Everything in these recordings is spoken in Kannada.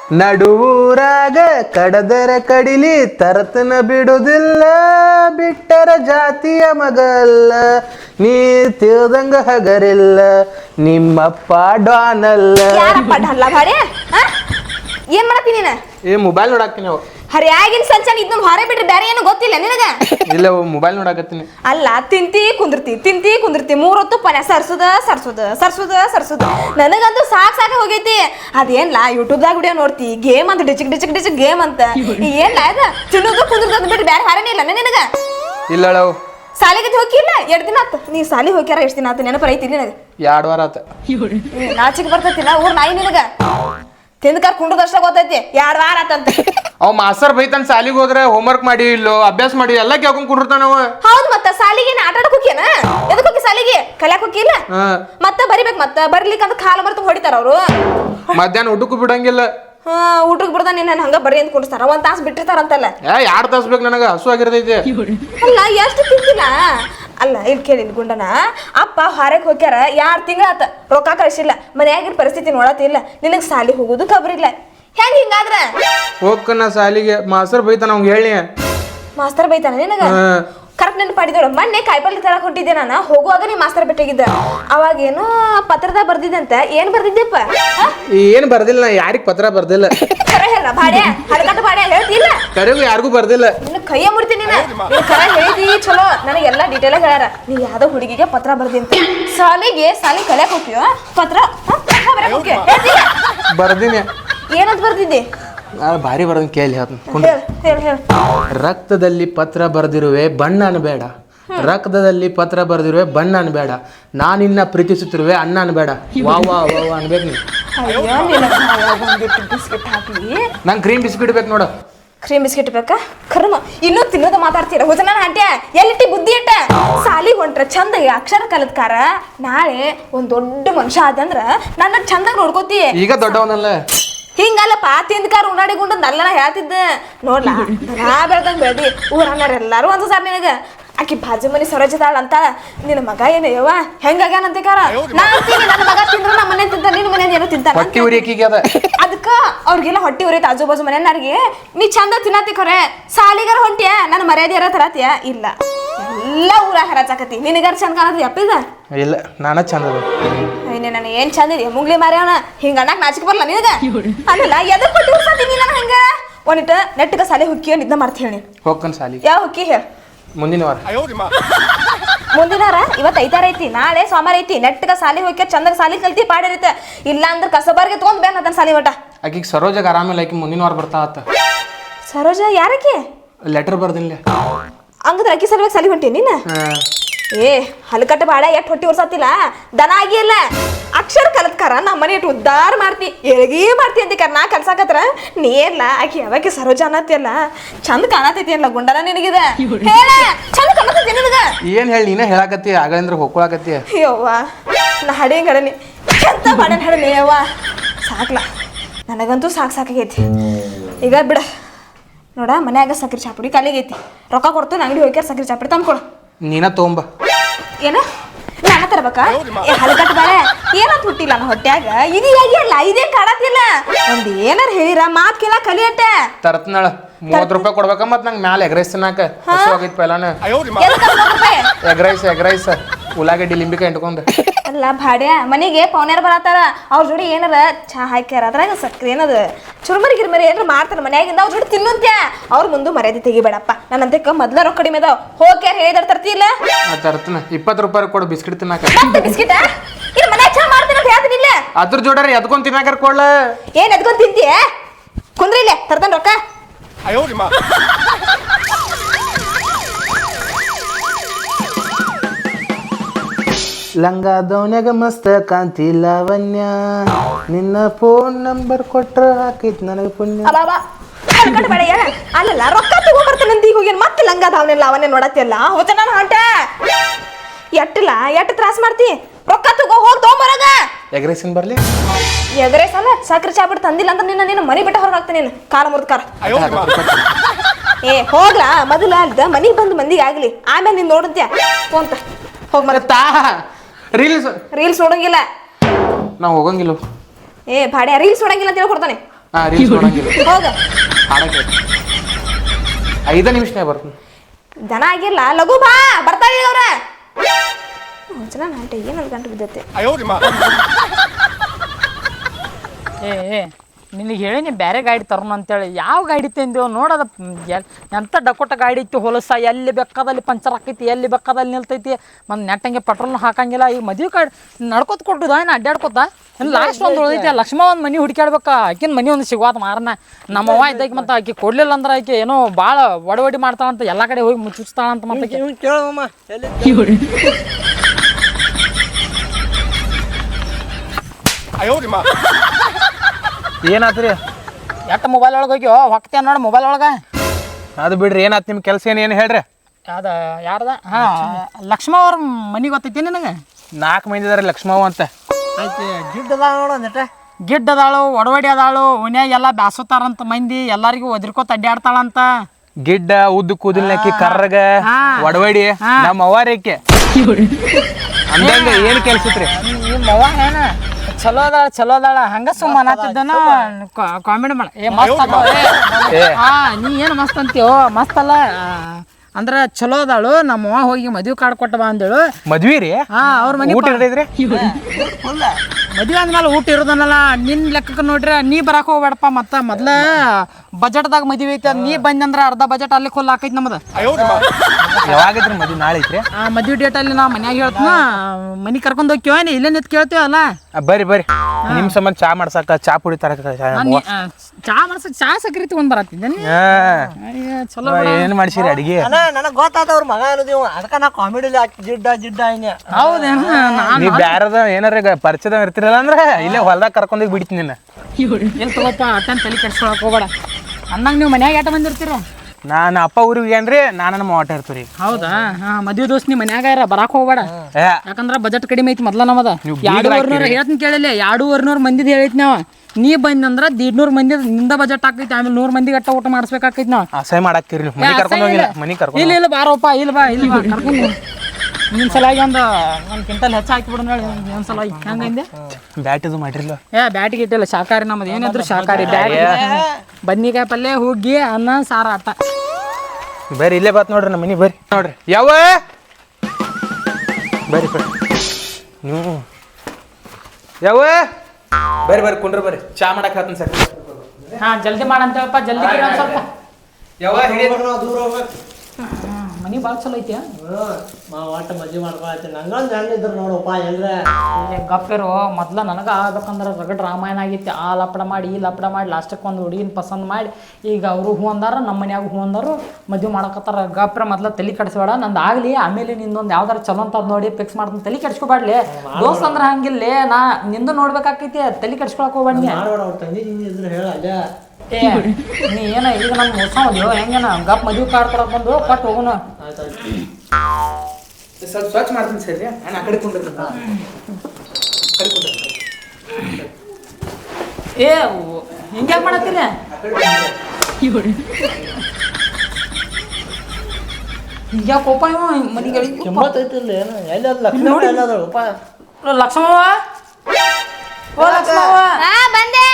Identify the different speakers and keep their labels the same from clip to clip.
Speaker 1: ನಡುವೂರಾಗ ಕಡದರ ಕಡಿಲಿ ತರತನ ಬಿಡುದಿಲ್ಲ ಬಿಟ್ಟರ ಜಾತಿಯ ಮಗಲ್ಲ ನೀ ತಿಳಿದಂಗ ಹಗರಿಲ್ಲ ನಿಮ್ಮಪ್ಪ ಡಾನಲ್ಲ.
Speaker 2: ಏನ್ ಮಾಡತ್ತಿ ನೀನ?
Speaker 1: ಮೊಬೈಲ್ ನೋಡಾಕ್ತೀನಿ.
Speaker 2: ಹರಿಯಾಗಿನ ಸಂಚಾನ ಇದನ್ನ ಹೊರ ಬಿಟ್ರೆ ಬೇರೆ ಏನು ಗೊತ್ತಿಲ್ಲ ನಿನಗ?
Speaker 1: ಇಲ್ಲ ಮೊಬೈಲ್ ನೋಡಾಕತ್ತೀನಿ.
Speaker 2: ಅಲ್ಲ ತಿಂತಿ ಕುಂದಿರ್ತಿ 3 ಹೊತ್ತು ಪನ ಸರ್ಸುದ ನನಗಂತೂ ಸಾಕ ಹೋಗೈತಿ. ಅದೇನ್ಲಾ ಯೂಟ್ಯೂಬ್ದಾಗ ವಿಡಿಯೋ ನೋಡ್ತಿ ಗೇಮ್ ಅಂತ ಡಿಚಿಕ್ ಗೇಮ್ ಅಂತ ಏನ್ಲಾ ಅದ ತಿನ್ನೋದು ಕುಂದಿರ್ದ ಬಿಟ್ಟು ಬೇರೆ ಹಾರನೇ ಇಲ್ಲ ನಿನಗ?
Speaker 1: ಇಲ್ಲ
Speaker 2: ಸಾಲಿಗೆ ಹೋಗಿಲ್ಲ 2 ದಿನ ಆತ. ನೀ ಸಾಲಿ ಹೋಗ್ಯಾರ ಎಷ್ಟು ದಿನ ಆತ ನೆನಪರ ಐತಿ ನಿನಗ?
Speaker 1: 2 ವಾರ ಆತ.
Speaker 2: ನಾಚಿಗೆ ಬರ್ತೈತಿಲ್ಲ ಊರ್ ನಾಯಿ ನಿನಗ ತಿಂದ್ಕಾರ್ ಕುಂಡ್ರದಷ್ಟ ಗೊತ್ತೈತಿ 2 ವಾರ ಆತಂತ.
Speaker 1: ಅವ್ ಮಾಸ್ತರ್ ಬೈತಾನ ಸಾಲಿಗೆ ಹೋದ್ರೆ ಹೋಮ್ವರ್ಕ್ ಮಾಡಿ ಇಲ್ಲೋ ಅಭ್ಯಾಸ ಮಾಡಿ ಎಲ್ಲ ಕೇಳ್ಕೊಂಡ್ ಕುಂಡಿರ್ತಾನ ಅವ.
Speaker 2: ಹೌದ್ ಮತ್ತ ಸಾಲಿಗೆ ಆಟ ಆಡಕ್ ಹೋಗ್ಯಾನ ಎದಕ್ ಹೋಗಿ ಸಾಲಿಗೆ ಕಲ್ಯಾಕ್ ಹೋಗಿಲ್ಲ ಮತ್ತ ಬರಿಬೇಕು ಮತ್ತ ಬರ್ಲಿಕ್ಕೆ ಅಂತ ಕಾಲ ಬರ್ತ ಹೊಡಿತಾರ ಅವ್ರು.
Speaker 1: ಮಧ್ಯಾಹ್ನ ಊಟಕ್ಕೂ ಬಿಡಂಗಿಲ್ಲ.
Speaker 2: ಊಟಕ್ಕೆ ಬಿಡ್ದ ನೀನ್ ಹಂಗ ಬರ್ರಿ ಅಂತ ಕುಡಿಸ್ತಾರ 1 ತಾಸು ಬಿಟ್ಟಿರ್ತಾರಂತಲ್ಲ.
Speaker 1: 2 ತಾಸು ಬೇಕು ನನಗ ಹಸು ಆಗಿರ್ತೈತಿ.
Speaker 2: ಅಲ್ಲ ಎಷ್ಟು ತಿಂತಿಲ್ಲ ಅಲ್ಲ ಇಲ್ಲಿ ಕೇಳಿ ಗುಂಡನ ಅಪ್ಪ ಹೊರಗೆ ಹೋಗ್ಯಾರ 2 ತಿಂಗಳ ಆತ ರೊಕ್ಕ ಕಳ್ಸಿಲ್ಲ ಮನ್ಯಾಗಿನ ಪರಿಸ್ಥಿತಿ ನೋಡತ್ತಿಲ್ಲ ನಿನಗ್ ಸಾಲಿ ಹೋಗುದು ಖಬರಿಲ್ಲ ಹೆಂಗ್ ಹಿಂಗಾದ್ರ?
Speaker 1: ಹೋಗ್ಕನ ಸಾಲಿಗೆ ಮಾಸ್ತರ್ ಬೈತಾನ ಅವ್ಗೆ ಹೇಳಿ.
Speaker 2: ಮಾಸ್ತರ್ ಬೈತಾನ ನಿನಗ? ಕರೆಕ್ಟ್ ನೆನಪು ಮಾಡಿದೋಳು ಮೊನ್ನೆ ಕಾಯಿಪಲ್ಲೆ ತರಕ್ ಹೊಂಟಿದ್ದೆ ನಾನು ಹೋಗುವಾಗ ನೀ ಮಾಸ್ತರ್ ಭೇಟಿಯಾಗಿದ್ದ ಅವಾಗ ಏನೋ ಪತ್ರದಾಗ ಬರ್ದಿದ್ದೆ ಅಂತ ಏನ್ ಬರ್ದಿದ್ದೆಪ್ಪ?
Speaker 1: ಏನ್ ಬರ್ದಿಲ್ಲ ನಾ ಯಾರಿಗ್ ಪತ್ರ ಬರ್ದಿಲ್ಲ.
Speaker 2: ಖರೆ ಹೇಳ ಬಾಡ್ಯ ಹಲಕಟ್ಟ ಬಾಡ್ಯ ಹೇಳ್ತಿಲ್ಲ
Speaker 1: ಕರೆಗೂ ಯಾರಿಗೂ ಬರ್ದಿಲ್ಲ.
Speaker 2: ನಿನ್ನ ಕೈಯ ಮುಡ್ತೀನಿ ನೀನು ಖರೆ ಹೇಳಿದಿ ಚಲೋ ನನಗೆಲ್ಲ ಡೀಟೇಲ್ ಆಗಿ ಹೇಳ್ಯಾರ. ನೀ ಯಾವ್ದೋ ಹುಡುಗಿಗೆ ಪತ್ರ ಬರ್ದಿ ಅಂತ ಸಾಲಿ ಕಲ್ಯಾಕ್ ಹೋಗ್ತೀವ ಪತ್ರ
Speaker 1: ಬರ್ದಿನಿ.
Speaker 2: ಏನಂತ ಬರ್ದಿದ್ದೆ?
Speaker 1: ಭಾರಿ ಬರ್ದನ್ ಕೇಳಿ
Speaker 2: ಹೇಳ.
Speaker 1: ರಕ್ತದಲ್ಲಿ ಪತ್ರ ಬರ್ದಿರುವೆ ಬಣ್ಣ ಅನ್ಬೇಡ, ರಕ್ತದಲ್ಲಿ ಪತ್ರ ಬರ್ದಿರುವೆ ಬಣ್ಣ ಅನ್ಬೇಡ, ನಾನಿನ್ನ ಪ್ರೀತಿಸುತ್ತಿರುವೆ ಅಣ್ಣ ಅನ್ಬೇಡ. ವಾ ವಾ ವಾ ಅನ್ಬೇಕು ನೀ.
Speaker 2: ಬಿಸ್ಕಿಟ್ ಹಾಕ್ಲಿ
Speaker 1: ನಂಗೆ ಕ್ರೀಮ್ ಬಿಸ್ಕಿಟ್ ಬೇಕು ನೋಡು.
Speaker 2: ಕ್ರೀಮ್ ಬಿಸ್ಕಿಟ್ ಬೇಕಾ? ಕರ್ಮ ಇನ್ನೂ ತಿನ್ನೋದು ಮಾತಾಡ್ತೀರ ಹುಜನ ಅಂಟ್ಯ ಎಲ್ಲಿಟ್ಟಿ ಬುದ್ಧಿ ಇಟ್ಟ ಸಾಲಿ ಹೊಂಟ್ರ ಚಂದ ಅಕ್ಷರ ಕಲತ್ಕಾರ ನಾಳೆ ಒಂದ್ ದೊಡ್ಡ ಮನುಷ್ಯ ಆದಂದ್ರ ನನ್ನ ಚಂದಾಗ ನೋಡ್ಕೋತಿ.
Speaker 1: ಈಗ ದೊಡ್ಡವನಲ್ಲ
Speaker 2: ಹಿಂಗಲ್ಲಪ್ಪ ತಿಂದ್ಕಾರ ಉಣ್ಣಾಡಿಗುಂಡ ನಲ್ಲನ ಹೇಳ್ತಿದ್ದ ನೋಡ್ಲಾ ನಾ ಬೆಳ್ದಂಗ್ ಬೆಳ್ದಿ ಊರನ್ನಾರ ಎಲ್ಲಾರು ಒಂದು ಸಾರ್ ನಿನಗ ಆಕಿ ಬಾಜು ಮನಿ ಸರೋಜದಾಳ ಅಂತ ನಿನ್ನ ಮಗ ಏನು ಯವ್ವ ಹೆಂಗಾಗ್ಯಾನಂತಿಕಾರ ನಾ ಅಂತೀನಿ ನನ್ನ ಮಗ ತಿಂದ್ರ ನಮ್ಮ ಮನೆ ತಿಂತ ನಿನ್ನ ಮನೆ ಏನೋ ತಿಂತಾನ
Speaker 1: ಹೊಟ್ಟಿ ಉರಿಯಕಿಗೆ ಅದ
Speaker 2: ಅದಕ್ಕ ಅವ್ರಿಗೆಲ್ಲ ಹೊಟ್ಟಿ ಉರಿಯತ್ ಆಜು ಬಾಜು ಮನೆಯವ್ರಿಗೆ ನೀ ಚಂದ ತಿನ್ನತಿ ಖರೆ ಸಾಲಿಗಾರ ಹೊಂಟಿಯ ನನ್ನ ಮರ್ಯಾದೆ ಯಾರ ತರತಿಯ ಇಲ್ಲ ಎಲ್ಲ ಊರ ಹರಾಚಾಕತಿ ನಿನಗಾರ ಚಂದ ಕಾಣತಿ ಅಪ್ಪಿದ
Speaker 1: ಇಲ್ಲ ನಾನ ಚಂದ
Speaker 2: ಏನೇ ನಾನು ಏನ್ ಚಂದ ಇದೆಯಾ ಮುಂಗ್ಲಿ ಮಾರ್ಯಾವನ ಹಿಂಗ ಅನ್ನಕ್ ನಾಚಿಕೆ ಬರಲ್ಲ ನಿನಗ ಅಲ್ಲ ಎದಕ್ ಕೊಟ್ಟು ಉರ್ಸತಿ ನೀ ನನ್ನ ಹಂಗ ಒಂದಿಟ ನೆಟ್ಟಗ ಸಾಲಿ ಹುಕ್ಕಿ ನಿದ್ದ ಮಾಡ್ತಿ ಹೇಳಿ
Speaker 1: ಹೋಗ್ಕನ್ ಸಾಲಿ
Speaker 2: ಯಾವ ಹುಕ್ಕಿ ಹೇಳ
Speaker 1: ಮುಂದಿನ ವಾರ
Speaker 2: ಇವತ್ತು 5 ಐತಿ ನಾಳೆ ಸೋಮವಾರ ಐತಿ ನೆಟ್ಟಗ ಸಾಲಿ ಹೋಗಿ ಚಂದಾಗ ಸಾಲಿ ಕಲ್ತಿ ಪಾಡಿರತ್ತೆ ಇಲ್ಲ ಅಂದ್ರೆ ಕಸಬಾರ್ಗೆ ತೊಗೊಂಡ್ ಬೇನ್ ಅದನ್ನ ಸಾಲಿ ಮಟ
Speaker 1: ಆಕಿಗೆ ಸರೋಜಾಗ ಆರಾಮಿಲ್ಲ ಆಕಿ ಮುಂದಿನ ವಾರ ಬರ್ತಾ ಆತ.
Speaker 2: ಸರೋಜ ಯಾರಕ್ಕೆ
Speaker 1: ಲೆಟರ್ ಬರ್ದಿಲ್ಲ
Speaker 2: ಹಂಗದ್ರ ಅಕ್ಕಿ ಸಲುವಾಗಿ ಸಾಲಿ ಹೊಂಟಿ ನೀನ ಏ ಹಲಕಟ್ಟ ಬಾಳ ಎಟ್ ಹೊಟ್ಟಿ ಉರ್ಸತ್ತಿಲ್ಲ ದನ ಆಗಿಲ್ಲ ಅಕ್ಷರ ಕಲತ್ಕಾರ ನಮ್ಮ ಮನೆ ಇಟ್ಟು ಉದ್ದಾರ ಮಾಡ್ತಿ ಎಳಗಿ ಮಾಡ್ತಿ ಅಂತಿಕಾರ ನಾ ಕಲ್ಸಾಕತ್ರ ನೀ ಎಲ್ಲ ಆಕಿ ಯಾವಾಕಿ ಸರೋಜ ಅನ್ನತ್ತಿಯಲ್ಲ ಚಂದ ಕಾಣತೈತಿ ಅಲ್ಲ ಗುಂಡನ ನಿನಗಿದ ಹೇಳ ಚಂದ ಕಾಣತೈತಿ ನಿನಗ
Speaker 1: ಏನ್ ಹೇಳಿ ನೀನ ಹೇಳಾಕತ್ತಿ ಆಗಂದ್ರ ಹೋಗ್ಕೊಳಕತ್ತಿ
Speaker 2: ಯವ್ವ ನಾ ಹಡಿಂಗ್ ಹಡನಿ ಎಂತ ಬಾಡನ್ ಹಡನಿ ಯವ್ವ ಸಾಕ್ಲ ನನಗಂತೂ ಸಾಕಾಗೈತಿ ಈಗ ಬಿಡ ನೋಡ ಮನ್ಯಾಗ ಸಕ್ರಿ ಚಾಪುಡಿ ಕಾಲಿಗೈತಿ ರೊಕ್ಕ ಕೊಡ್ತು ಅಂಗಡಿ ಹೋಗ್ಯಾರ ಸಕ್ರಿ ಚಾಪುಡಿ ತಂದ್ಕೊಡು
Speaker 1: ನೀನ ತೊಗೊಂಬ
Speaker 2: ಏನ ನಾನ ತರಬೇಕಾ ಹಲಕಟ್ ಬಾಳೆ ಏನಂತ ಹುಟ್ಟಿಲ್ಲ ನನ್ನ ಹೊಟ್ಯಾಗ ಇದು ಹೇಗಿಲ್ಲ ಇದೇ ಕಾಣತಿಲ್ಲ ಒಂದ್ ಏನಾರ ಹೇಳಿರ ಮಾತ್ ಕೇಳ ಕಲಿಯಟ್ಟ
Speaker 1: ತರ್ತನಾಳ 30 ರೂಪಾಯಿ ಕೊಡ್ಬೇಕ ಮತ್ ನಂಗೆ ಮ್ಯಾಲ ಎಗ್ ರೈಸ್ ತಿನ್ನಾಕ ಹಸು ಆಗೈತಿ ಪೈಲಾನ ಎಗ್ ರೈಸ್ ಉಳ್ಳಾಗಡ್ಡಿ ಲಿಂಬಿಕಾಯಿ ಇಟ್ಕೊಂಡ್
Speaker 2: ಅಲ್ಲ ಭಾಡ್ಯ ಮನೆಗೆ ಪೌನ್ಯಾರ ಬರತ್ತಾರ ಅವ್ರ ಜೋಡಿ ಏನಾರ ಚಾ ಹಾಕ್ಯಾರ ಅದ್ರಾಗ ಸಕ್ರಿ ಏನದ ಚುರುಮರಿ ಗಿರ್ಮರಿ ಏನಾರ ಮಾಡ್ತಾರ ಮನ್ಯಾಗಿಂದ ಅವ್ರ ಜೋಡಿ ತಿನ್ನುಂತ್ಯ ಅವ್ರ ಮುಂದೆ ಮರ್ಯಾದೆ ತೆಗಿಬೇಡಪ್ಪ ನನ್ನಂತಕ್ಕ ಮೊದ್ಲ ರೊಕ್ಕ ಕಡಿಮೆ ಅದಾವ ಹೋಗ್ಯಾರ ಹೇಳಿದಾರ ತರ್ತಿಲ್ಲ
Speaker 1: ತರ್ತನ 20 ರೂಪಾಯಿ ಕೊಡು ಬಿಸ್ಕಿಟ್ ತಿನ್ನಾಕ
Speaker 2: ಬಿಸ್ಕಿಟ ಇಲ್ಲ ಮನ್ಯಾಗ ಚಾ ಮಾಡ್ತೀನಿ ಅಂತ ಹೇಳ್ತೀನಿಲ್ಲ
Speaker 1: ಅದ್ರ ಜೋಡಾರ ಎದ್ಕೊಂಡ್ ತಿನ್ನಾಕರ್ ಕೊಡ್ಲ
Speaker 2: ಏನ್ ಎದ್ಕೊಂಡ್ ತಿಂತೀಯ ಕುಂದ್ರಿ ಇಲ್ಲೇ ತರ್ತನ್ ರೊಕ್ಕ
Speaker 1: ಲಂಗ ದೌನ್ಯಾಗ ಮಸ್ತ ಕಾಂತಿ ಲಾವಣ್ಯ ನಿನ್ನ ಫೋನ್ ನಂಬರ್ ಕೊಟ್ರ ಹಾಕೈತಿ ನನಗೆ ಪುಣ್ಯ
Speaker 2: ಬೇಡ ಅಲ್ಲಲ್ಲ ರೊಕ್ಕ ತಗೊಂಡ್ಬರ್ತಾನಂತ ಈಗ ಹೋಗ್ಯಾನ ಮತ್ತೆ ಲಂಗ ದಾವನೆಲ್ಲ ಅವನ್ನೇ ನೋಡತ್ತಿಯಲ್ಲ ಹೋತ ನಾನು ಹೊಂಟ ಎಟ್ಟಿಲ್ಲ ಎಟ್ಟು ತ್ರಾಸ ಮಾಡ್ತಿ ರೊಕ್ಕ ತಗೋ ಹೋಗಿ ತಗೊಂಬರಾಗ
Speaker 1: ಎಗ್ ರೈಸ್ ಬರ್ಲಿ
Speaker 2: ಎಗ್ ರೈಸ್ ಅಲ್ಲ ಸಕ್ರೆ ಚಾ ಬಿಟ್ಟು ತಂದಿಲ್ಲ ಅಂತ ನಿನ್ನ ಮನಿ ಬಿಟ್ಟ ಹೊರಗೆ ಹಾಕ್ತೀನಿ ನೀನು ಕಾಲ ಮುರ್ದ ಕಾರ ಏ ಹೋಗ್ಲಾ ಮೊದಲ ಅಲ್ದ ಮನಿಗೆ ಬಂದು ಮಂದಿಗೆ ಆಗ್ಲಿ ಆಮೇಲೆ ನೀನ್ ನೋಡುತ್ಯ ಫೋನ್ ಹೋಗ್ ಮರತ್ತಾ
Speaker 1: ರೀಲ್ಸ್
Speaker 2: ನೋಡಂಗಿಲ್ಲ
Speaker 1: ನಾವು ಹೋಗಂಗಿಲ್ಲ
Speaker 2: ಏ ಭಾಡ್ಯ ರೀಲ್ಸ್ ನೋಡಂಗಿಲ್ಲ ಅಂತ ಹೇಳ್ಕೊಡ್ತಾನೆ
Speaker 1: ರೀಲ್ಸ್ ಮಾಡಂಗಿಲ್ಲ
Speaker 2: ಹೋಗ
Speaker 1: ಹಾಡಕ್ಕೆ 5 ನಿಮಿಷನೇ ಬರ್ತೀನಿ
Speaker 2: ದನ ಆಗಿಲ್ಲ ಲಘು ಬಾ ಬರ್ತಾಳೆ ಅವ್ರ ಮುಂಚೆ ನಾಟೆ ಏನದು ಗಂಟು ಬಿದ್ದೈತೆ
Speaker 3: ಏ ನಿನಗೆ ಹೇಳೀನಿ ಬೇರೆ ಗಾಡಿ ತರೋಣ ಅಂತೇಳಿ ಯಾವ ಗಾಡಿ ತಂದೇವು ನೋಡೋದ ಎಂಥ ಡಕೋಟ ಗಾಡಿ ಇತ್ತು ಹೊಲಸ ಎಲ್ಲಿ ಬೇಕಾದಲ್ಲಿ ಪಂಚರ್ ಆಕೈತಿ ಎಲ್ಲಿ ಬೇಕಾದಲ್ಲಿ ನಿಲ್ತೈತಿ ಮತ್ತು ನೆಟ್ಟಂಗೆ ಪೆಟ್ರೋಲ್ನ ಹಾಕಂಗಿಲ್ಲ ಈಗ ಮದುವೆ ಗಾಡಿ ನಡ್ಕೋತ ಕೊಟ್ಟುದ ಏನು ಅಡ್ಡಾಡ್ಕೋತ ಇನ್ನು ಲಾಸ್ಟ್ ಒಂದು ಉಳಿದೈತಿ ಲಕ್ಷ್ಮ ಒಂದು ಮನೆ ಹುಡುಕ್ಯಾಡ್ಬೇಕು ಆಕಿನ ಮನೆ ಒಂದು ಸಿಗುವಾದ ಮಾರನ ನಮ್ಮವ್ವ ಇದ್ದಾಕಿ ಮತ್ತು ಆಕಿ ಕೊಡ್ಲಿಲ್ಲ ಅಂದ್ರೆ ಆಕೆ ಏನೋ ಭಾಳ ಒಡವಡಿ ಮಾಡ್ತಾಳಂತ ಎಲ್ಲ ಕಡೆ ಹೋಗಿ ಮುಚ್ಚಿಸ್ತಾಳಂತ ಮತ್ತೆ
Speaker 4: ಕೇಳಮ್ಮ
Speaker 1: ಏನಾತ್ರಿ
Speaker 3: ಎಟ್ಟು ಮೊಬೈಲ್ ಒಳಗೆ ಹೋಗ್ಯೋ ಹೊಕ್ತೇನೆ ನೋಡಿ ಮೊಬೈಲ್ ಒಳಗೆ
Speaker 1: ಅದು ಬಿಡ್ರಿ ಏನಾಯ್ತು ನಿಮ್ಮ ಕೆಲಸ ಏನು ಹೇಳ್ರಿ
Speaker 3: ಯಾವ್ದ ಯಾರ್ದ ಹಾಂ ಲಕ್ಷ್ಮ ಅವ್ರ ಮನೆ ಗೊತ್ತೈತಿ ನಿನಗೆ
Speaker 1: 4 ಮಂದಿ ಇದಾರೆ ಲಕ್ಷ್ಮವ್ವ ಅಂತ
Speaker 4: ಆಯ್ತು ಗಿಡ್ಡ ಅದಾಳ ನೋಡ ನೆಟ್ಟ
Speaker 3: ಗಿಡ್ಡ ಅದಾಳು ಒಡವಡಿ ಅದಾಳು ಉನ್ಯಾಗ ಎಲ್ಲ ಬ್ಯಾಸೋತಾರಂತ ಮಂದಿ ಎಲ್ಲರಿಗೂ ಒದರ್ಕೋತ ಅಡ್ಡಾಡ್ತಾಳಂತ
Speaker 1: ಗಿಡ್ಡ ಉದ್ದು ಕೂದಲ್ನಕ್ಕಿ ಕರ್ರಗ ಒಡವಡಿ ನಮ್ಮ ಅವ್ವಾರಕ್ಕೆ ಅಂದಂಗ ಏನು ಕೆಲ್ಸತ್ರಿ
Speaker 3: ನಿಮ್ಮ ಅವ್ವ ಏನ ಚಲೋ ಅದಾಳ ಹಂಗ ಸುಮ್ಮ ಅನ್ನತ್ತಿದ್ದನ ಕಾಮಿಡಿ ಮಾಡ ಏ ಮಸ್ತ್ ಅದಾವ ನೀ ಏನು ಮಸ್ತ್ ಅಂತೀವೋ ಮಸ್ತ್ ಅಲ್ಲ ಅಂದ್ರೆ ಚಲೋ ಅದಾಳು ನಮ್ಮವ್ವ ಹೋಗಿ ಮದುವೆ ಕಾರ್ಡ್ ಕೊಟ್ಟ ಬಾ ಅಂದೇಳು
Speaker 1: ಮದ್ವಿ ರೀ
Speaker 3: ಅವ್ರ ಮನೆ
Speaker 1: ಊಟ ಹಿಡಿದ್ರಿ
Speaker 3: ಮದುವೆ ಅಂದ್ಮೇಲೆ ಊಟ ಇರೋದನ್ನಲ್ಲ ನಿನ್ನ ಲೆಕ್ಕಕ್ಕೆ ನೋಡ್ರಿ ನೀ ಬರಾಕ ಹೋಗ್ಬೇಡಪ್ಪ ಮತ್ತೆ ಮೊದ್ಲ ಬಜೆಟ್ದಾಗ ಮದುವೆ ಐತಿ ನೀ ಬಂದಂದ್ರೆ ಅರ್ಧ ಬಜೆಟ್ ಅಲ್ಲಿ ಖುಲ್ ಹಾಕೈತಿ ನಮ್ದು
Speaker 1: ಯಾವಾಗಿದ್ರಿ ಮದ್ವಿ ನಾಳೆ ಐತ್ರಿ
Speaker 3: ಮದುವೆ ಡೇಟಲ್ಲಿ ನಾ ಮನ್ಯಾಗ ಹೇಳ್ತೀನ ಮನೆ ಕರ್ಕೊಂಡು ಹೋಗ್ತೀವ ಇಲ್ಲೇ ನಿಂತು ಕೇಳ್ತೀವಲ್ಲ
Speaker 1: ಬರ್ರಿ ನಿಮ್ ಸಂಬಂಧ ಚಾ ಮಾಡ್ಸಕ್ಕ ಚಾ ಪುಡಿ ತರಕ
Speaker 3: ಚಾ ಮಾಡ್ಸಕ್ ಚಾ ಸಕ್ರಿ ತಗೊಂಡ್ ಬರತ್ತಿದ್ದೆ ಚಲೋ
Speaker 1: ಏನ್ ಮಾಡ್ಸಿರಿ ಅಡಿಗೆ
Speaker 4: ನನಗೆ ಗೊತ್ತಾದವ್ರ ಮಗ ಅನ್ನೋದು ಅದಕ್ಕೆ ನಾ ಕಾಮಿಡಿಲಿ ಹಾಕಿ ಜಿಡ್ಡ ಐನೆ
Speaker 3: ಹೌದೇನು
Speaker 1: ನೀವ್ ಬ್ಯಾರದ ಏನಾರ ಪರಿಚಯ ಇರ್ತಿರಲ್ಲ ಅಂದ್ರೆ ಇಲ್ಲೇ ಹೊಲ್ದಾಗ ಕರ್ಕೊಂಡೋಗಿ ಬಿಡ್ತೀನಿ ನಿನ್ನ
Speaker 3: ಎಲ್ಲಿ ತಗೋಪ್ಪ ಅಟ್ಟನ್ ತಲೆ ಕೆಡ್ಸ್ಕೊಳಕ್ ಹೋಗ್ಬೇಡ ಅನ್ನಂಗೆ ನೀವು ಮನ್ಯಾಗ ಏಟ ಬಂದಿರ್ತೀರ
Speaker 1: ನಾನು ಅಪ್ಪ ಊರಿಗೆ ಏನ್ರಿ ನಾನು ನಮ್ಮ ಆಟ ಇರ್ತೀರಿ
Speaker 3: ಹೌದಾ ಮದುವೆ ದೋಸ್ತ್ ನೀ ಮನ್ಯಾಗ ಇರ ಬರಾಕ್ ಹೋಗ್ಬೇಡ ಯಾಕಂದ್ರ ಬಜೆಟ್ ಕಡಿಮೆ ಐತಿ ಮೊದ್ಲ ನಮ್ಮದ 2,200 ಹೇಳ್ತೀನಿ ಕೇಳಿಲ್ಲ 2,200 ಮಂದಿದ್ ಹೇಳೈತಿ ನಾವ್ ನೀ ಬಂದಂದ್ರ 1,500 ಮಂದಿ ನಿಂದ ಬಜೆಟ್ ಹಾಕೈತಿ ಆಮೇಲೆ 100 ಮಂದಿ ಗಟ್ಟ ಊಟ ಮಾಡಿಸ್ಬೇಕಾಕೈತಿ ನಾವ್
Speaker 1: ಅಸಹ್ಯ ಮಾಡಾಕ್ತಿರಿ ಮನೆ ಕರ್ಕೊಂಡು ಹೋಗಿಲ್ಲ ಮನೆ ಕರ್ಕೊಂಡು
Speaker 3: ಇಲ್ಲ ಬಾರೋಪ್ಪ ಇಲ್ಲಿ ಬಾ ಕರ್ಕೊಂಡು ನಿನ್ ಸಲಾಗಿ ಒಂದು ಕ್ವಿಂಟಲ್ ಹೆಚ್ಚು ಹಾಕಿಬಿಡು ನೋಡಿ ಒಂದ್ಸಲ ಹೆಂಗಂದೆ
Speaker 1: ಬ್ಯಾಟಿದು ಮಾಡಿರಲ್ಲ
Speaker 3: ಬ್ಯಾಟಿಗೆ ಇಟ್ಟಿಲ್ಲ ಶಾಕಾರಿ ನಮ್ಮದು ಏನಿದ್ರು ಶಾಕಾರಿ ಬ್ಯಾಟಿ ಬದ್ನಿಕಾಯಿ ಪಲ್ಯ ಹುಗ್ಗಿ ಅನ್ನ ಸಾರ ಆಟ
Speaker 1: ಬರ್ರಿ ಇಲ್ಲೇ ಬಾತ್ ನೋಡ್ರಿ ನಮ್ಮ ಮನೆ ಬರ್ರಿ ನೋಡ್ರಿ ಯಾವ ಬರ್ರಿ ನೀವು ಯಾವ ಬರ್ರಿ ಕುಂಡ್ರಿ ಬರ್ರಿ ಚಾ ಮಾಡಕ್ ಹಾಕ್ತೀನಿ ಸರ್
Speaker 3: ಜಲ್ದಿ ಮಾಡಂತೇಳಪ್ಪ ಜಲ್ದಿ ಸ್ವಲ್ಪ
Speaker 1: ಯಾವ
Speaker 4: ದೂರ ಹೋಗ್ಬೇಕು
Speaker 3: ಮನಿ ಭಾಳ ಚಲೋ ಐತಿ
Speaker 4: ಒಟ್ಟು ಮದುವೆ ಮಾಡ್ಕೊಳತ್ತೆ ನಂಗೊಂದು ಜನ ನೋಡಪ್ಪ ಎಲ್ರ
Speaker 3: ಗಪ್ಪಿರು ಮೊದ್ಲ ನನಗೆ ಆಗ್ಬೇಕಂದ್ರೆ ರಗಡ್ ರಾಮಾಯಣ ಆಗೈತಿ ಆ ಲಪಡ ಮಾಡಿ ಈ ಲಪಡ ಮಾಡಿ ಲಾಸ್ಟಕ್ಕೆ ಒಂದು ಹುಡುಗಿನ ಪಸಂದ್ ಮಾಡಿ ಈಗ ಅವರು ಹೂ ಅಂದಾರ ನಮ್ಮ ಮನ್ಯಾಗ ಹೂ ಅಂದರು ಮದುವೆ ಮಾಡಕತ್ತಾರ ಗಪ್ರ ಮೊದ್ಲ ತಲೆ ಕೆಡಿಸ್ಬೇಡ ನಂದು ಆಗಲಿ ಆಮೇಲೆ ನಿಂದೊಂದು ಯಾವ್ದಾರು ಚಲೋ ಅಂತ ನೋಡಿ ಫಿಕ್ಸ್ ಮಾಡ್ತೀನಿ ತಲೆ ಕೆಡಿಸ್ಕೊಬಾಡ್ಲಿ ದೋಸ್ತ್ ಅಂದ್ರೆ ಹಂಗಿಲ್ಲೇ ನಾ ನಿಂದು ನೋಡ್ಬೇಕಾಕೈತಿ ತಲೆ ಕೆಡಿಸ್ಕೊಳಕ್ ಹೋಗ್ಬಾಡ್ನಿ
Speaker 4: ಮಾಡ್ಬೇಡ ಅವ್ರ ತಂದೆ ಇದ್ರು ಹೇಳ ಅಲ್ಲೇ
Speaker 3: ಏ ನೀ ಏನ ಈಗ ನಮ್ಗೆ ಮೋಸ ಹೋದ್ಯೋ ಹೆಂಗೇನ ಗಪ್ ಮದುವೆ ಕಾರ್ಡ್ ಕೊಡಕ್ ಬಂದು ಕೊಟ್ಟು ಹೋಗೋಣ
Speaker 1: ಸ್ವಲ್ಪ ಸ್ವಚ್ಛ ಮಾಡ್ತೀನಿ ಸರ್ ನಾನು ಆ ಕಡೆ ಕುಂಡ್ರಿ
Speaker 3: ಏ ಹಿಂಗ್ಯಾಕೆ ಮಾಡತ್ತೀರಿ ಹಿಂಗ್ಯಾಕೆ ಕೋಪ ಇವ ಮನೆಗೆ
Speaker 4: ಕೆಮ್ಮತ್ತೈತಿಲ್ಲ ಏನು ಎಲ್ಲಿ ಅದು ಲಕ್ಷ್ಮಣ ಎಲ್ಲದಳಪ್ಪ
Speaker 3: ಲಕ್ಷ್ಮವ್ವ ಓ ಲಕ್ಷ್ಮವ್ವ
Speaker 2: ಬಂದೆ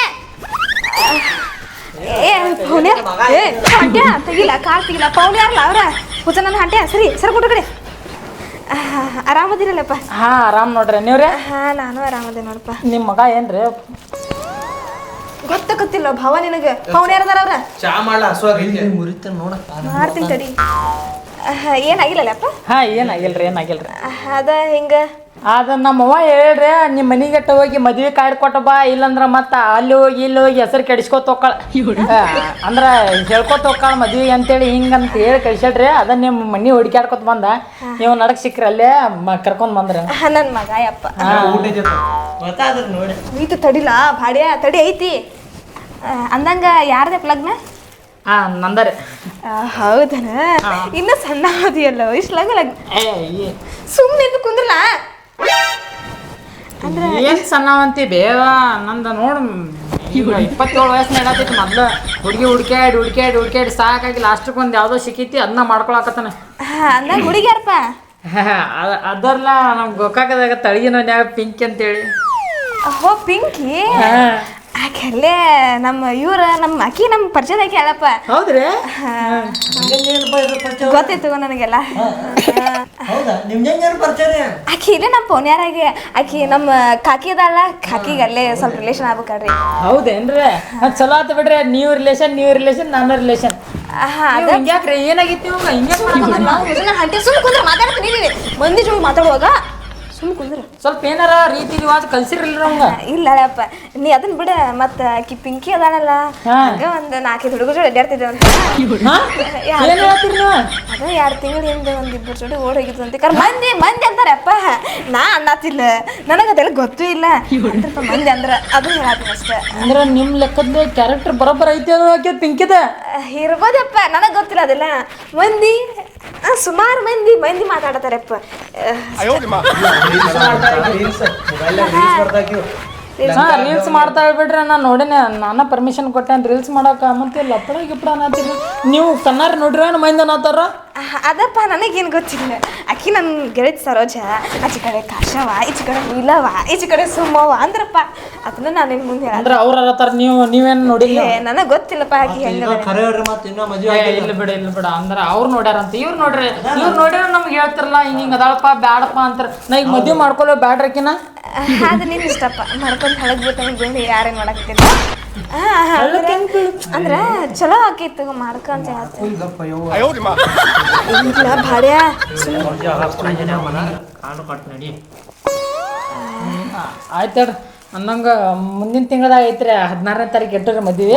Speaker 2: ಪೌನ್ಯಾರ ಹಂಟ್ಯಾ ತೆಗಿಲ್ಲ ಕಾಲ್ ತೆಗಿಲ್ಲ ಪೌನ್ಯಾರಲ್ಲ ಅವ್ರ ಹುಚ್ಚ ನನ್ನ ಹಂಟ್ಯಾ ಸರಿ ಸರ್ ಕೊಟ್ಟು ಕಡೆ ಆರಾಮದಿರಲ್ಲಪ್ಪ
Speaker 3: ಆರಾಮ್ ನೋಡ್ರಿ ನೀವ್ರೆ
Speaker 2: ನಾನು ಆರಾಮದೆ ನೋಡಪ್ಪ
Speaker 3: ನಿಮ್ಮ ಮಗ ಏನ್ರಿ
Speaker 2: ಗೊತ್ತಾಗತ್ತಿಲ್ಲ ಭಾವ ನಿನಗೆ ಪೌನ್ಯಾರದಾರ ಅವ್ರ
Speaker 1: ಚಾ ಮಾಡ್ಲ ಹಸುವಾಗೈತಿ
Speaker 4: ಮುರಿತ ನೋಡ
Speaker 2: ಮಾಡ್ತೀನಿ ತಡಿ ಏನಾಗಿಲ್ಲಲ್ಲಪ್ಪ
Speaker 3: ಏನಾಗಿಲ್ರಿ
Speaker 2: ಅದ ಹಿಂಗ
Speaker 3: ಅದ ನಮ್ಮವ್ವ ಹೇಳ್ರಿ ನಿಮ್ಮ ಮನಿಗೆಟ್ಟ ಹೋಗಿ ಮದ್ವೆ ಕಾರ್ಡ್ ಕೊಟ್ಟ ಬಾ ಇಲ್ಲಂದ್ರ ಮತ್ತ ಅಲ್ಲಿ ಹೋಗಿ ಇಲ್ಲಿ ಹೋಗಿ ಹೆಸರು ಕೆಡಿಸ್ಕೊತ ಹೋಗ್ಕಳ ಅಂದ್ರ ಹೇಳ್ಕೊತ ಹೋಗ್ಕಳ ಮದ್ವೆ ಅಂತೇಳಿ ಹಿಂಗಂತ ಹೇಳಿ ಕಳ್ಸ್ಯಾಡ್ರಿ ಅದ ನಿಮ್ಮ ಮನಿ ಹುಡುಕ್ಯಾಡ್ಕೊತ ಬಂದ ನೀವು ನಡಕ್ ಸಿಕ್ಕ್ರಿ ಅಲ್ಲೇ ಕರ್ಕೊಂಡ್ ಬಂದ್ರಿ
Speaker 2: ನನ್ನ ಮಗ ಯಪ್ಪ
Speaker 4: ಗೊತ್ತಾದ್ರಿ ನೋಡಿ
Speaker 2: ಈತು ತಡಿಲ ಭಾಡ್ಯ ತಡಿ ಐತಿ ಅಂದಂಗ ಯಾರ್ದಪ್ಪ ಲಗ್ನ
Speaker 3: ನಂದರಿ
Speaker 2: ಹೌದನ ಇನ್ನು ಸಣ್ಣ ಅವಧಿಯಲ್ಲ ಇಷ್ಟು ಲಗ್ನ ಸುಮ್ಮನೆ ಕುಂದ್ರಲ್ಲ
Speaker 3: ಅಂದ್ರೆ ಏನ್ ಸಣ್ಣವಂತಿ ಬೇವ ನಂದ ನೋಡು ಈಗ 27 ವಯಸ್ಸು ನಡತೈತಿ ಮೊದ್ಲು ಹುಡುಗಿ ಹುಡ್ಕ್ಯಾಡಿ ಸಾಕಾಗಿ ಲಾಸ್ಟಕ್ಕೆ ಒಂದು ಯಾವುದೋ ಸಿಕ್ಕೈತಿ ಅದನ್ನ ಮಾಡ್ಕೊಳಕತ್ತಾನ
Speaker 2: ಅಂದಾಗ ಹುಡುಗಿ ಯಾರಪ್ಪ
Speaker 3: ಅದರ್ಲ ನಮ್ ಗೋಕಾಕದಾಗ ತಳಗಿನ ಪಿಂಕಿ ಅಂತೇಳಿ
Speaker 2: ಹೋ ಪಿಂಕಿ ಆಕೆಲ್ಲೇ ನಮ್ಮ ಆಕಿ ನಮ್ಮ ಪರಿಚಯದಾಕಿ ಅಲ್ಲಪ್ಪ.
Speaker 3: ಹೌದ್ರಿ?
Speaker 2: ಗೊತ್ತಿತ್ತು ನನಗೆಲ್ಲ.
Speaker 4: ಹೌದಾ ನಿಮ್ಗೆ ಪರಿಚಯ?
Speaker 2: ಆಕಿ ಇಲ್ಲೇ ನಮ್ಮ ಪೋನ್ಯಾರಾಗೆ ಆಕಿ ನಮ್ಮ ಕಾಕಿ ಅದಲ್ಲ, ಕಾಕಿಗೆ ಅಲ್ಲೇ ಸ್ವಲ್ಪ ರಿಲೇಷನ್ ಆಗ್ಬೇಕಲ್ರಿ.
Speaker 3: ಹೌದೇನ್ರಿ? ಚಲೋ ಆತ ಬಿಡ್ರಿ. ನೀವು ರಿಲೇಷನ್ ನಾನು ರಿಲೇಷನ್. ಹಿಂಗ್ಯಾಕ್ರಿ ಏನಾಗಿತ್ತು ಇವಾಗ ಹಿಂಗೆ
Speaker 2: ಹಂಟಿ ಸುಮ್ಮನೆ ಕುಂದ್ರೆ ಮಾತಾಡ್ತೀನಿ ಮಂದಿ ಜೋಡಿ ಮಾತಾಡುವಾಗ ಸುಮ್ಮನೆ ಕುಂದ್ರೆ
Speaker 3: ಸ್ವಲ್ಪ ಏನಾರ ರೀತಿ ರಿವಾಜ್ ಕಲ್ಸಿರ್ಲಿಲ್ಲ ನಮ್ಗೆ.
Speaker 2: ಇಲ್ಲಪ್ಪ ನೀ ಅದನ್ನ ಬಿಡ. ಮತ್ತ ಆಕಿ ಪಿಂಕಿ ಅದಾನಲ್ಲ, ಹಂಗ ಒಂದ್ 4-5 ಹುಡುಗರು ಜೋಡಿ ಅಡ್ಡಾಡ್ತಿದ್ದೆ ಅಂತ.
Speaker 3: ಏನ್ ಹೇಳ್ತೀರಿ ನೀವು?
Speaker 2: ಅದ 2 ತಿಂಗಳ ಹಿಂದೆ ಒಂದಿಬ್ಬರು ಜೋಡಿ ಓಡ್ ಹೋಗಿದ್ದು ಅಂತ ಮಂದಿ ಅಂತಾರಪ್ಪ. ನಾ ಅನ್ನತ್ತಿಲ್ಲ, ನನಗದೆಲ್ಲ ಗೊತ್ತೂ ಇಲ್ಲ. ಮಂದಿ ಅಂದ್ರ ಅದು ಹೇಳತ್ತೀನಿ ಅಷ್ಟೇ.
Speaker 3: ಅಂದ್ರ ನಿಮ್ ಲೆಕ್ಕದ ಕ್ಯಾರೆಕ್ಟರ್ ಬರೋಬ್ಬರ ಐತಿ ಅದು ಪಿಂಕಿದ
Speaker 2: ಇರ್ಬೋದಪ್ಪ, ನನಗ್ ಗೊತ್ತಿಲ್ಲ ಅದೆಲ್ಲ. ಮಂದಿ ಸುಮಾರು ಮಂದಿ ಮಾತಾಡತಾರಪ್ಪ.
Speaker 3: ರೀಲ್ಸ್ ಮಾಡ್ತಾ ಬಿಡ್ರಿ. ನಾನು ನೋಡೇನೆ, ನಾನು ಪರ್ಮಿಷನ್ ಕೊಟ್ಟೇನ್ ರೀಲ್ಸ್ ಮಾಡಕ. ಮತ್ತೆ ಲಪ್ಪಡ ಗಿಪ್ಪಡ ಅನ್ನತ್ತೀರಿ ನೀವು. ಕಣ್ಣಾರ ನೋಡ್ರಿ ಮಂದಿ ಅನ್ನತ್ತಾರ.
Speaker 2: ಅದಪ್ಪ ನನಗೇನು ಗೊತ್ತಿಲ್ಲ. ಆಕಿ ನನ್ನ ಗೆಳತಿ ಸರೋಜ, ಆಚೆ ಕಡೆ ಕಾಶವ, ಈಚೆ ಕಡೆ ನೀಲವ, ಈಚೆ ಕಡೆ ಸುಮ್ಮವ ಅಂದ್ರಪ್ಪ. ಅದನ್ನ ನಾನು ನಿನ್ ಮುಂದೆ
Speaker 3: ಅಂದ್ರೆ ಅವ್ರ ಅನ್ನತ್ತಾರ, ನೀವೇನು ನೋಡಿಲ್ಲ?
Speaker 2: ನನಗೆ ಗೊತ್ತಿಲ್ಲಪ್ಪ ಆಕಿ ಹೆಂಗ.
Speaker 3: ಇಲ್ಲ ಬಿಡ ಅಂದ್ರ ಅವ್ರು ನೋಡ್ಯಾರಂತ. ಇವ್ರು ನೋಡ್ಯಾರ ನಮ್ಗೆ ಹೇಳ್ತಿರಲ್ಲ ಹಿಂಗ ಅದಾಳಪ್ಪ ಬ್ಯಾಡಪ್ಪ ಅಂತಾರ. ನಾ ಈಗ ಮದ್ವೆ ಮಾಡ್ಕೊಳ್ಳೋ ಬ್ಯಾಡ್ರಕಿನ.
Speaker 2: ಅದು ನಿನ್ ಇಷ್ಟಪ್ಪ, ಮಾಡ್ಕೊಂಡು ಹಳಗ್ ಬಿಟ್ಟು ಯಾರೇನು ಮಾಡಕತ್ತಿಲ್ಲ. ಅಂದ್ರ ಚಲೋ ಆಕಿತ್ತು ಮಾಡ್ಕೊಂತ ಭಾಡ್ಯ.
Speaker 3: ಆಯ್ತು ಹೇಳ್ರಿ. ಅನ್ನಂಗ ಮುಂದಿನ ತಿಂಗಳದಾಗ ಐತ್ರಿ 16ನೇ ತಾರೀಕು ಇಟ್ಟರೆ ಮದ್ವಿ.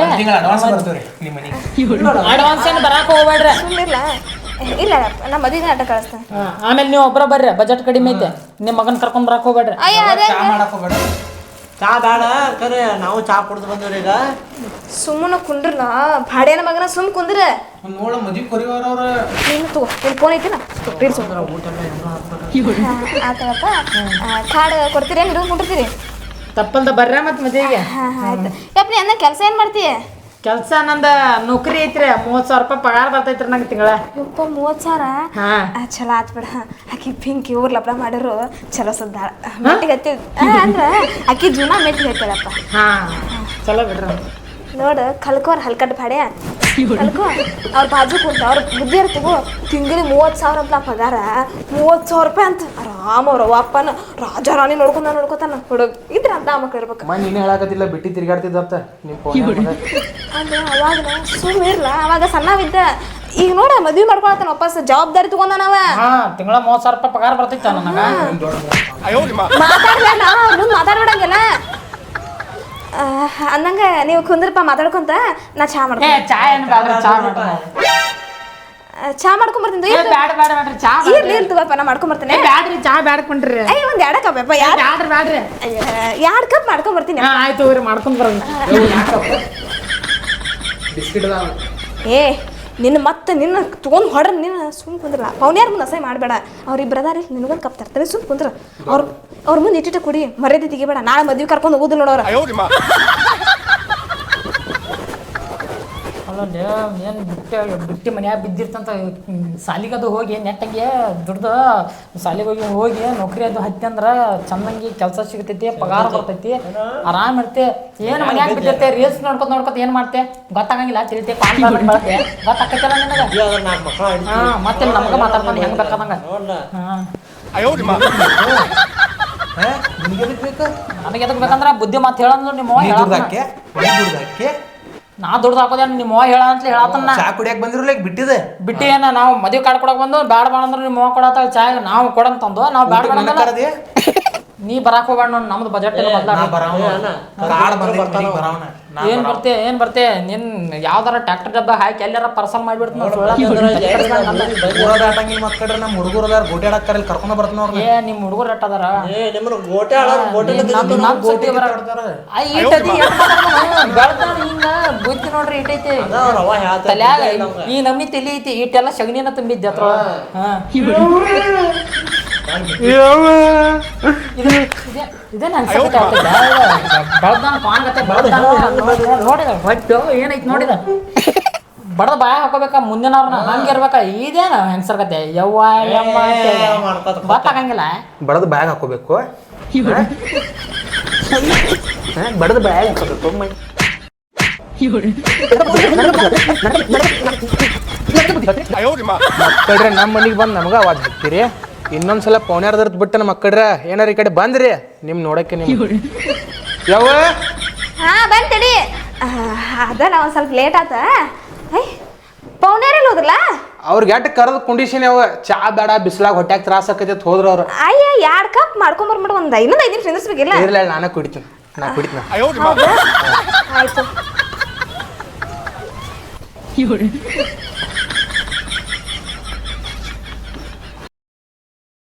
Speaker 3: ಅಡ್ವಾನ್ಸ್ ಏನು ಬರಾಕ ಹೋಗ್ಬೇಡ್ರಿ.
Speaker 2: ಸುಮ್ಮನಿಲ್ಲ. ಇಲ್ಲ ನಮ್ಮ ಮದುವೆ ಆಟ ಕಳಿಸ್ತೇನೆ.
Speaker 3: ಆಮೇಲೆ ನೀವು ಒಬ್ಬರ ಬರ್ರಿ, ಬಜೆಟ್ ಕಡಿಮೆ ಐತೆ. ನಿಮ್ಮ ಮಗನ್ ಕರ್ಕೊಂಡ್ ಬರಾಕ್ ಹೋಗ್ಬೇಡ್ರಿ.
Speaker 4: ಚಾ ಬೇಡ ಕರೆ, ನಾವು ಚಾ ಕುಡ್ದು ಬಂದ್ರಿ. ಈಗ
Speaker 2: ಸುಮ್ಮನೆ ಕುಂಡ್ರಲ್ಲ ಭಾಡ್ಯನ ಮಗನ ಸುಮ್ ಕುಂದ್ರ.
Speaker 1: ನೋಡ ಮದ್ವಿ ಕೊರಿವಾರ ಅವ್ರ
Speaker 2: ನೀನು ತಗೋ, ನಿನ್ ಫೋನ್ ಐತಿನ ಆತಪ್ಪ. ಕಾರ್ಡ್ ಕೊಡ್ತೀರಿ, ಹಿಡಿದು ಕುಂಡಿರ್ತೀರಿ.
Speaker 3: ತಪ್ಪಲ್ದ ಬರ್ರ ಮತ್ ಮದ್ವಿಗೆ.
Speaker 2: ಆಯ್ತು ಯಪ್ಪ. ನೀ ಅಂದ ಕೆಲಸ ಏನ್ ಮಾಡ್ತೀಯ?
Speaker 3: ಕೆಲಸ ನಂದ ನೌಕರಿ ಐತ್ರಿ. 30,000 ರೂಪಾಯಿ ಪಗಾರ ಬರ್ತೈತ್ರಿ ನಂಗೆ ತಿಂಗಳ.
Speaker 2: ಯಪ್ಪ 30,000? ಚಲೋ ಆತ್ ಬಿಡ. ಆಕಿ ಪಿಂಕಿ ಊರ್ ಲಪ್ಡ ಮಾಡಿರು ಚಲೋ ಸದ್ದಾಳ. ಮೆಟ್ಟಿಗೆ ಹತ್ತಿದ್ ಅಂದ್ರ ಆಕಿ ಜೀವನ ಮೆಟ್ಟಿಗೆ ಹತ್ತಳಪ್ಪ.
Speaker 3: ಚಲೋ ಬಿಡ್ರಿ.
Speaker 2: ನೋಡು ಕಲ್ಕೋರ್ ಹಲ್ಕಟ್ ಭಾಡ್ಯ ಕಲ್ಕೋ. ಅವ್ರ ಬಾಜು ಕುಂತ ಅವ್ರ ಬುದ್ಧಿ ಇರ್ತಿಗೋ. ತಿಂಗಳಿಗೆ 30,000 ಅಂತ ಪಗಾರ. 30,000 ರೂಪಾಯಿ ಅಂತ ಆರಾಮ ಅವ್ರ ಅಪ್ಪನ ರಾಜ ರಾಣಿ ನೋಡ್ಕೊತಾನ ಹುಡುಗ ಇದ್ರ ಅಂತ ಮಕ್ಳು ಇರ್ಬೇಕು.
Speaker 1: ನೀನೇ ಹೇಳಕತ್ತಿಲ್ಲ ಬಿಟ್ಟಿ ತಿರ್ಗಾಡ್ತಿದ್ದತ್ತ ನಿಮ್
Speaker 2: ಅಂದ್ರೆ ಅವಾಗ ಸುಮ್ ಇರ್ಲ. ಅವಾಗ ಸಣ್ಣವಿದ್ದ. ಈಗ ನೋಡ ಮದ್ವಿ ಮಾಡ್ಕೊಳತಾನ ವಾಪಸ್ ಜವಾಬ್ದಾರಿ ತಗೊಂಡನವ.
Speaker 3: ತಿಂಗಳ 30,000 ರೂಪಾಯಿ ಪಗಾರ ಬರ್ತೈತ ನನಗ.
Speaker 2: ಮಾತಾಡ್ಬೇಡ, ಮುಂದ್ ಮಾತಾಡ್ಬೇಡಂಗಿಲ್ಲ ಅಂದಂಗ. ನೀವು ಕುಂದ್ರಪ್ಪ ಮಾತಾಡ್ಕೊಂತ ನಾ ಚಾ ಮಾಡ್ಕೊ. ಚಾ ಮಾಡ್ಕೊಂಬರ್ತೀನಿ. ಇರ್ಲಿ ತಗೋಪ್ಪ, ನಾ ಮಾಡ್ಕೊಂಬರ್ತೇನೆ.
Speaker 3: ಬ್ಯಾಡ್ರಿ ಚಾ ಬ್ಯಾಡ್ಕೊಂಡ್ರಿ.
Speaker 2: ಒಂದ್ 2 ಕಪ್ ಅಪ್ಪ. 2 ಕಪ್ ಮಾಡ್ಕೊಂಬರ್ತೀನಿ.
Speaker 3: ಆಯ್ತು ಮಾಡ್ಕೊಂಡ್ ಬರೋದು.
Speaker 1: ಬಿಸ್ಕಿಟ್
Speaker 2: ಏ ನಿನ್ನ ತೊಗೊಂಡು ಹೊಡ್ರ. ನೀನು ಸುಮ್ ಕುಂದ್ರಲ್ಲ. ಪೌನ್ಯಾರ ಮುಂದೆ ಅಸಹ್ಯ ಮಾಡಬೇಡ. ಅವ್ರಿಬ್ರು ಅದಾರ, ನಿನಗೊಂದು ಕಪ್ ತರ್ತಾರೆ. ಸುಮ್ ಕುಂದ್ರ. ಅವ್ರ ಮುಂದೆ ಇಟ್ಟಿಟ್ಟ ಕುಡಿ, ಮರ್ಯಾದೆ ತೆಗಿಬೇಡ. ನಾಳೆ ಮದ್ವೆ ಕರ್ಕೊಂಡು ಹೋಗುದು ನೋಡೋರ.
Speaker 3: ಅಲ್ಲ ಏನು ಬಿಟ್ಟಿ ಮನ್ಯಾಗ ಬಿದ್ದಿರ್ತಂತ ಸಾಲಿಗದು ಹೋಗಿ ನೆಟ್ಟಂಗೆ ದುಡ್ದು ಸಾಲಿಗೆ ಹೋಗಿ ನೌಕರಿ ಅದು ಹತ್ತಿ ಅಂದ್ರೆ ಚಂದಂಗಿ ಕೆಲಸ ಸಿಗ್ತೈತಿ, ಪಗಾರ ಬರ್ತೈತಿ, ಆರಾಮ್ ಇರ್ತೆ. ಏನು ಮನ್ಯಾಗ ಬಿದ್ದಿರ್ತೆ ರೀಲ್ಸ್ ನೋಡ್ಕೊತ ಏನು ಮಾಡ್ತೆ ಗೊತ್ತಾಗಂಗಿಲ್ಲ. ತಿಳಿತೆ ಬಳಕೆ ಗೊತ್ತಾಕೈತಲ್ಲ ನಿನಗೆ. ಮತ್ತೆ ನಮ್ಗೆ ಮಾತಾಡ್ಕೊಂಡು ಹೆಂಗೆ ಬೇಕಾದಂಗ. ನನಗೆ ಎದಕ್ ಬೇಕಂದ್ರ ಬುದ್ಧಿ ಮಾತು ಹೇಳಂದ್ರು ನಿಮ್ಮ ನಾ ದುಡ್ದು ಹಾಕೋದೇ ನಿಮ್ಮ ಹೇಳ ಅಂತ ಹೇಳತ್ತನ್ನ.
Speaker 1: ಚಾ ಕುಡಿಯಕ್ ಬಂದಿರಲ್ಲ ಈಗ ಬಿಟ್ಟಿದೆ.
Speaker 3: ಬಿಟ್ಟಿ ಏನ ನಾವು ಮದುವೆ ಕಾರ್ಡ್ ಕೊಡಕ್ ಬಂದು ಬ್ಯಾಡ ಬೇಡ ಅಂದ್ರೆ ನಿಮ್ಮ ಕೊಡತ್ತ ಚಾ ನಾವು ಕೊಡಂತಂದು ನಾವು ಬ್ಯಾಡ ಬೇಡ. ನೀ ಬರಾಕ್ ಹೋಗ್ಬೇಡ. ನಮ್ದು ಬಜೆಟ್ ಏನ್ ಬರ್ತೆ ನಿನ್ ಯಾವ್ದಾರ ಟ್ರ್ಯಾಕ್ಟರ್ ಡಬ್ಬ ಹಾಕಿ ಎಲ್ಲಾರ ಪಾರ್ಸಲ್ ಮಾಡ್ಬಿಡ್ತ.
Speaker 1: ನಮ್ಮ ಹುಡುಗರು ಅದಾರ ಗೋಟೆ ಆಡಕ್ಕಾರ ಕರ್ಕೊಂಡ್ ಬರ್ತಾನ.
Speaker 3: ನಿಮ್ ಹುಡುಗರು ಎಟ್ ಅದಾರ? ಬುದ್ಧಿ ನೋಡ್ರಿ ಇಟ್ಟೈತಿ ತಲ್ಯಾಗ. ಈ ನಮ್ನಿ ತಲಿ ಐತಿ. ಇಟ್ಟೆಲ್ಲ ಸಗಣಿನ ತುಂಬಿದ್ದೆ ಅತ್ರ. ಇದೇನು ಅನ್ಸಕತ್ತೆ ನೋಡಿದ ಹೊಟ್ಟು ಏನೈತಿ ನೋಡಿದ ಬಡದ ಬಾಯ ಹಾಕೋಬೇಕ ಮುಂದಿನವ್ರನ್ನ ಹಂಗೆ ಇರ್ಬೇಕ. ಇದೇನು ಹೆಂಗಸರ್ಗತ್ತೆ ಯವ್ವ ಯಮ್ಮ ಗೊತ್ತಾಗಂಗಿಲ್ಲ.
Speaker 1: ಬಡದ ಬ್ಯಾಗ್ ಹಾಕೋಬೇಕು. ಬಡದ ಬಾಯಾಗ ಹಾಕೋದು ತೊಮ್ಮೈ ಮಕ್ಕಳ್ರೆ ನಮ್ಮ ಮನೆಗೆ ಬಂದು ನಮಗ ಅವಾಜ್ ಹಾಕ್ತೀರಿ ಇನ್ನೊಂದ್ಸಲ ಪೌನ್ಯಾರ್ದರ್ತ್ ಬಿಟ್ಟು ನಮ್ಮ ಮಕ್ಕಳ್ರ ಏನಾರ ಈ ಕಡೆ ಬಂದ್ರಿ ನಿಮ್ ನೋಡಕ್ಕೆ ನೀವು ಯಾವ
Speaker 2: ಹಾ ಬಂತಡಿ ಅದ ನಾ ಒಂದ್ ಸ್ವಲ್ಪ ಲೇಟ್ ಆತ ಪೌನೇರೆಲ್ಲ ಹೋದ್ರಲ್ಲ
Speaker 1: ಅವ್ರಿಗೆ ಎಟ್ ಕರೆದ ಕಂಡೀಷನ್ ಯಾವ ಚಾ ಬೇಡ ಬಿಸಿಲಾಗ ಹೊಟ್ಯಾಗ ತ್ರಾಸ ಆಕೈತಿ ಹೋದ್ರ ಅವ್ರು
Speaker 2: ಅಯ್ಯ 2 ಕಪ್ ಮಾಡ್ಕೊಂಬರ್ಬಿಡು ಒಂದ್ ಇನ್ನೊಂದು 5 ನಿಮಿಷ ನಿಂದಿರ್ಸ್ಬೇಕಿಲ್ಲ
Speaker 1: ಇರ್ಲ ನಾನೇ ಕುಡಿತೀನಿ ನಾ ಕುಡಿತೀನಿ
Speaker 2: ಆಯ್ತು